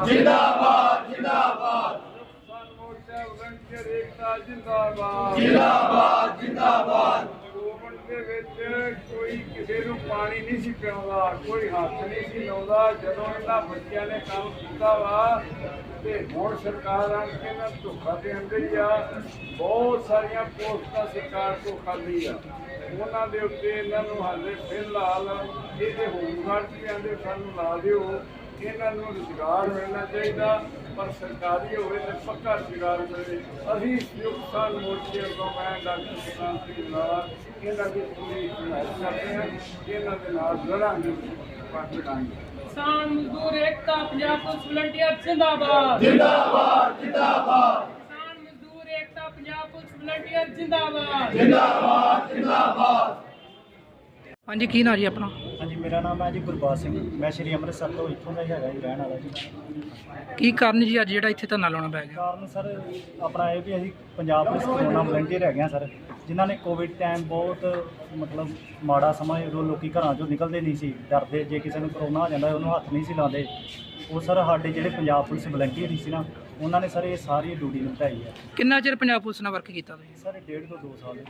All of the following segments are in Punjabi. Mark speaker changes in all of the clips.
Speaker 1: जिंदाबाद जिंदाबाद
Speaker 2: किसान मोर्चा वलंटियर एकता जिंदाबाद
Speaker 1: जिंदाबाद जिंदाबाद
Speaker 2: ਕੋਵਿਡ ਦੇ ਵਿੱਚ ਕੋਈ ਕਿਸੇ ਨੂੰ ਪਾਣੀ ਨਹੀਂ ਸੀ ਪਿਆਉਂਦਾ, ਕੋਈ ਹੱਥ ਨਹੀਂ ਸੀ ਲਾਉਂਦਾ। ਜਦੋਂ ਇਹਨਾਂ ਬੱਚਿਆਂ ਨੇ ਕੰਮ ਕੀਤਾ ਵਾ ਤੇ ਹੁਣ ਸਰਕਾਰ ਆਣ ਕੇ ਨਾ ਧੋਖਾ ਦੇਣ ਡਈ ਆ। ਬਹੁਤ ਸਾਰੀਆਂ ਪੋਸਟਾਂ ਸਰਕਾਰ ਤੋਂ ਖਾਲੀ ਆ, ਉਹਨਾਂ ਦੇ ਉੱਤੇ ਇਹਨਾਂ ਨੂੰ ਹਾਲੇ ਫਿਲਹਾਲ ਇਹਦੇ ਹੋਮਗਾਰਡ ਵੀ ਆਂਦੇ ਸਾਨੂੰ ਲਾ ਦਿਓ। ਇਹਨਾਂ ਨੂੰ ਰੁਜ਼ਗਾਰ ਮਿਲਣਾ ਚਾਹੀਦਾ, ਪਰ ਸਰਕਾਰੀ ਹੋਵੇ ਤਾਂ ਪੱਕਾ ਰੁਜ਼ਗਾਰ ਮਿਲੇ। ਅਸੀਂ ਸੰਯੁਕਤ ਕਿਸਾਨ ਮੋਰਚੇ ਵੱਲੋਂ ਮੈਂ ਡਾਕਟਰ ਸੁਖਾਂਤ ਸਿੰਘ ਨਾਲ ਇਹਨਾਂ ਦੀ ਪੂਰੀ ਹਮਾਇਤ ਕਰਦੇ ਹਾਂ। ਇਹਨਾਂ ਦੇ ਨਾਲ ਲੜਾਂਗੇ, ਪਾਕਿਸਤਾਨ
Speaker 3: किसान मजदूर एकता पंजाब पुलिस वलंटियर जिंदाबाद
Speaker 1: जिंदाबाद जिंदाबाद
Speaker 3: किसान मजदूर एकता पंजाब पुलिस वलंटियर जिंदाबाद
Speaker 1: जिंदाबाद जिंदाबाद
Speaker 4: हाँ जी की ना जी अपना
Speaker 5: हाँ जी मेरा नाम है जी गुरबाज सिंह। मैं श्री ਅੰਮ੍ਰਿਤਸਰ ਤੋਂ ਇੱਥੋਂ ਦਾ ਹੀ ਹੈਗਾ ਜੀ, ਰਹਿਣ ਵਾਲਾ ਜੀ।
Speaker 4: ਕੀ ਕਾਰਨ ਜੀ ਅੱਜ ਜਿਹੜਾ ਇੱਥੇ ਧਰਨਾ ਲਾਉਣਾ ਪੈ ਗਿਆ?
Speaker 5: ਕਾਰਨ ਸਰ ਆਪਣਾ ਇਹ ਵੀ ਅਸੀਂ ਪੰਜਾਬ ਪੁਲਿਸ ਕੋਰੋਨਾ ਵਲੰਟੀਅਰ ਹੈਗੇ ਹਾਂ ਸਰ, ਜਿਨ੍ਹਾਂ ਨੇ ਕੋਵਿਡ ਟਾਈਮ ਬਹੁਤ ਮਤਲਬ ਮਾੜਾ ਸਮਾਂ ਉਦੋਂ ਲੋਕੀ ਘਰਾਂ 'ਚੋਂ ਨਿਕਲਦੇ ਨਹੀਂ ਸੀ, ਡਰਦੇ ਜੇ ਕਿਸੇ ਨੂੰ ਕਰੋਨਾ ਹੋ ਜਾਂਦਾ ਉਹਨੂੰ ਹੱਥ ਨਹੀਂ ਸੀ ਲਾਉਂਦੇ। ਉਹ ਸਰ ਸਾਡੇ ਜਿਹੜੇ ਪੰਜਾਬ ਪੁਲਿਸ ਵਲੰਟੀਅਰ ਸੀ ਨਾ, ਉਹਨਾਂ ਨੇ ਸਰ ਇਹ ਸਾਰੀ ਡਿਊਟੀ ਨਿਭਾਈ ਹੈ।
Speaker 4: ਕਿੰਨਾ ਚਿਰ ਪੰਜਾਬ ਪੁਲਿਸ ਨਾਲ ਵਰਕ ਕੀਤਾ ਤੁਸੀਂ?
Speaker 5: ਸਰ 1.5 ਤੋਂ 2 ਸਾਲ ਦੇ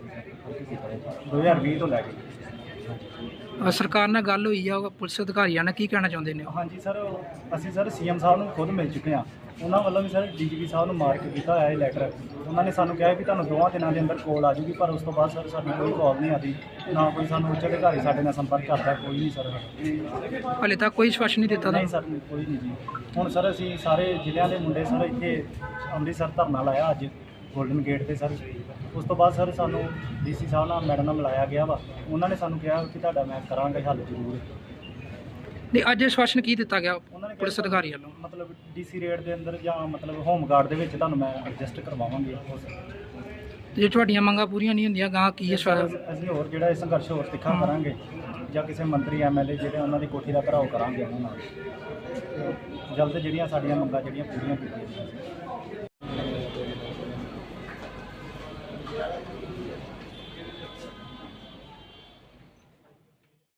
Speaker 5: ਵਿੱਚ 2020 ਤੋਂ ਲੈ ਕੇ।
Speaker 4: ਸਰਕਾਰ ਨਾਲ ਗੱਲ ਹੋਈ ਆ ਪੁਲਿਸ ਅਧਿਕਾਰੀਆਂ ਨਾਲ, ਕੀ ਕਹਿਣਾ ਚਾਹੁੰਦੇ ਨੇ?
Speaker 5: ਹਾਂਜੀ ਸਰ, ਅਸੀਂ ਸਰ ਸੀਐਮ ਸਾਹਿਬ ਨੂੰ ਖੁਦ ਮਿਲ ਚੁੱਕੇ ਹਾਂ। ਉਹਨਾਂ ਵੱਲੋਂ ਵੀ ਸਰ ਡੀਜੀਪੀ ਸਾਹਿਬ ਨੂੰ ਮਾਰਕ ਕੀਤਾ ਹੋਇਆ ਇਹ ਲੈਟਰ। ਉਹਨਾਂ ਨੇ ਸਾਨੂੰ ਕਿਹਾ ਵੀ ਤੁਹਾਨੂੰ 2 ਦਿਨਾਂ ਦੇ ਅੰਦਰ ਕੋਲ ਆ ਜੂਗੀ, ਪਰ ਉਸ ਤੋਂ ਬਾਅਦ ਸਰ ਸਾਡੀ ਕੋਈ ਕਾਲ ਨਹੀਂ ਆਦੀ, ਨਾ ਕੋਈ ਸਾਨੂੰ ਉੱਚ ਅਧਿਕਾਰੀ ਸਾਡੇ ਨਾਲ ਸੰਪਰਕ ਕਰਦਾ, ਕੋਈ ਨਹੀਂ ਸਰ।
Speaker 4: ਹਾਲੇ ਤੱਕ ਕੋਈ ਵਿਸ਼ਵਾਸ ਨਹੀਂ ਦਿੱਤਾ
Speaker 5: ਨਹੀਂ
Speaker 4: ਤੁਹਾਨੂੰ?
Speaker 5: ਸਰ ਕੋਈ ਨਹੀਂ ਜੀ। ਹੁਣ ਸਰ ਅਸੀਂ ਸਾਰੇ ਜ਼ਿਲ੍ਹਿਆਂ ਦੇ ਮੁੰਡੇ ਸਰ ਇੱਥੇ ਅੰਮ੍ਰਿਤਸਰ ਧਰਨਾ ਲਾਇਆ ਅੱਜ ਗੋਲਡਨ ਗੇਟ ਤੇ ਸਰ। ਉਸ ਤੋਂ ਬਾਅਦ ਸਰ ਸਾਨੂੰ ਡੀਸੀ ਸਾਹਿਬ ਨਾਲ ਮੈਡਮ ਨਾਲ ਮਿਲਾਇਆ ਗਿਆ ਵਾ। ਉਹਨਾਂ ਨੇ ਸਾਨੂੰ ਕਿਹਾ ਕਿ ਤੁਹਾਡਾ ਮੈਂ ਕਰਾਂਗਾ ਹੱਲ ਜ਼ਰੂਰ।
Speaker 4: ਨਹੀਂ ਅੱਜ ਵਿਸ਼ਵਾਸਨ ਕੀ ਦਿੱਤਾ ਗਿਆ
Speaker 5: ਉਹਨਾਂ ਨੇ ਕਿਹਾ
Speaker 4: ਪੁਲਿਸ ਅਧਿਕਾਰੀ ਵੱਲੋਂ?
Speaker 5: ਮਤਲਬ ਡੀਸੀ ਰੇਟ ਦੇ ਅੰਦਰ ਜਾਂ ਮਤਲਬ ਹੋਮ ਗਾਰਡ ਦੇ ਵਿੱਚ ਤੁਹਾਨੂੰ ਮੈਂ ਐਡਜਸਟ ਕਰਵਾਵਾਂਗੇ।
Speaker 4: ਤੇ ਜੇ ਤੁਹਾਡੀਆਂ ਮੰਗਾਂ ਪੂਰੀਆਂ ਨਹੀਂ ਹੁੰਦੀਆਂ ਗਾਂ ਕੀ ਵਿਸ਼ਵਾਸ?
Speaker 5: ਅਸੀਂ ਹੋਰ ਜਿਹੜਾ ਇਹ ਸੰਘਰਸ਼ ਹੋਰ ਤਿੱਖਾ ਕਰਾਂਗੇ, ਜਾਂ ਕਿਸੇ ਮੰਤਰੀ ਐਮਐਲਏ ਜਿਹੜੇ ਉਹਨਾਂ ਦੀ ਕੋਠੀ ਦਾ ਘਰਾਓ ਕਰਾਂਗੇ ਉਹਨਾਂ ਨਾਲ। ਜਲਦ ਜਿਹੜੀਆਂ ਸਾਡੀਆਂ ਮੰਗਾਂ ਜਿਹੜੀਆਂ ਪੂਰੀਆਂ ਕੀਤੀਆਂ ਜਾਣ।